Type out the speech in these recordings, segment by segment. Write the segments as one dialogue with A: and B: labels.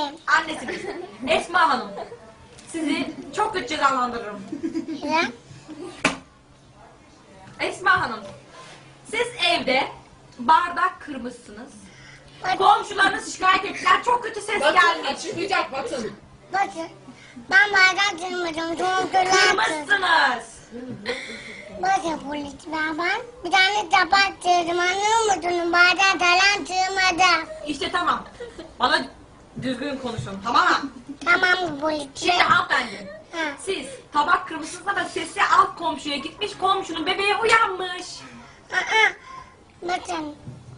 A: Değilim.
B: Annesiniz. Esma Hanım. Sizi çok kötü cezalandırırım.
A: Ne?
B: Esma Hanım. Siz evde bardak kırmışsınız.
A: Bak-
B: Komşularınız şikayet ettiler. Çok kötü ses
C: Batın
B: gelmiş.
C: açıklayacak Batın.
A: Bakın. Ben bardak kırmadım. Kontrol
B: Kırmışsınız.
A: Bakın polisler ben. Bir tane tabak kırdım. Anlıyor musunuz? Bardak falan kırmadım.
B: İşte tamam. Bana düzgün konuşun. Tamam mı?
A: Tamam mı polisler?
B: Şimdi hanımefendi.
A: Ha.
B: Siz tabak kırmışsınız ama sesi alt komşuya gitmiş. Komşunun bebeği uyanmış.
A: Aa, bakın.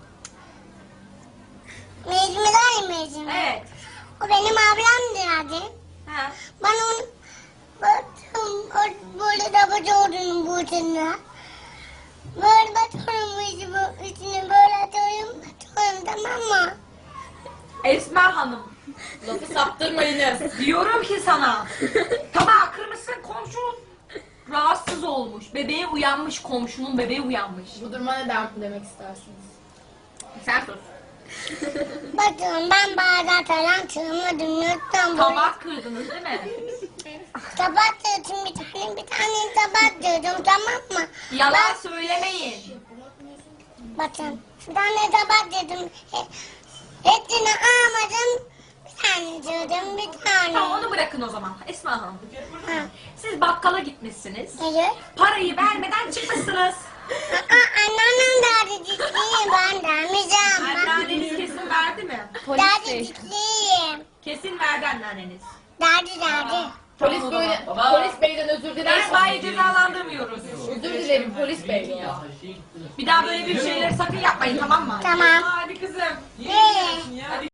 A: Mecmi var ya Mecmi.
B: Evet.
A: O benim ablam derdi.
B: Ha.
A: Ben onu baktım. O böyle tabak olduğunu buğdayına. Böyle batıyorum içine böyle atıyorum. Tamam mı?
B: Esma Hanım.
C: Lafı saptırmayınız.
B: Diyorum ki sana. Tabağı kırmışsın, komşu rahatsız olmuş. Bebeği uyanmış, komşunun bebeği uyanmış.
C: Bu duruma ne demek istersiniz?
B: Sen sus.
A: Bakın ben bardak falan kırmadım. Lütfen böyle.
B: Tabak kırdınız değil mi?
A: Tabak kırdım bir tane tabak kırdım tamam mı?
B: Yalan söylemeyin.
A: Bakın bir tane tabak kırdım. Hepsini almadım. Bir tane kırdım bir tane.
B: Tamam onu bırakın o zaman. Esma Hanım.
A: Ha,
B: Siz bakkala gitmişsiniz.
A: hayır.
B: Parayı vermeden çıkmışsınız.
A: Anneannem derdi ciddiyim ben dermeyeceğim.
B: Anneanneniz kesin verdi mi?
A: Derdi ciddiyim.
B: Kesin verdi anneanneniz.
A: Derdi.
C: Polis böyle, polis beyden özür diler
B: Esma'yı
C: misiniz?
B: cezalandırmıyoruz.
C: Özür dilerim polis bey ya.
B: Bir daha böyle bir şeyleri sakın yapmayın tamam mı?
A: Tamam.
B: Hadi kızım.
A: Nereye?
B: Hadi.